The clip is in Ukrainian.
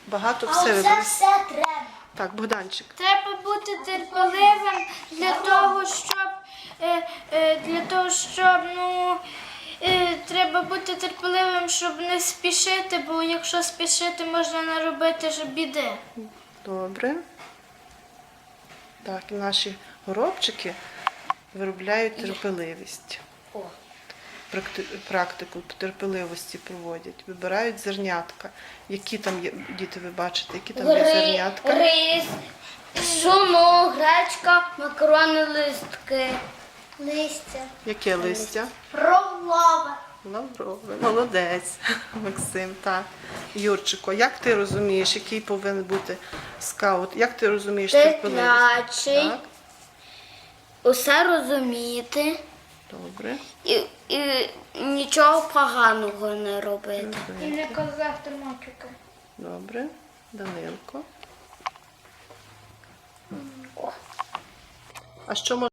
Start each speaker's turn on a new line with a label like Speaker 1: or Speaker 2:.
Speaker 1: багато
Speaker 2: А
Speaker 1: все
Speaker 2: оце
Speaker 1: вибрали.
Speaker 2: все треба.
Speaker 1: Так, Богданчик.
Speaker 3: Треба бути терпеливим треба бути терпеливим, щоб не спішити, бо якщо спішити, можна наробити ж біди.
Speaker 1: Добре. Так, і наші горобчики виробляють терпеливість.
Speaker 2: О.
Speaker 1: Практику терпеливості проводять. Вибирають зернятка. Які там є, діти, ви бачите, які там є зернятка?
Speaker 2: Рис, пшоно, гречка, макарони, листки. Листя.
Speaker 1: Яке листя?
Speaker 2: Пролова.
Speaker 1: Лаврове. Молодець, Максим, так. Юрчико, як ти розумієш, який повинен бути скаут? Як ти розумієш терпеливість?
Speaker 2: Терплячий.
Speaker 1: Так,
Speaker 2: Усе розуміти
Speaker 1: добре.
Speaker 2: і нічого поганого не робити.
Speaker 3: І не казати мочики.
Speaker 1: Добре. Данилко. А що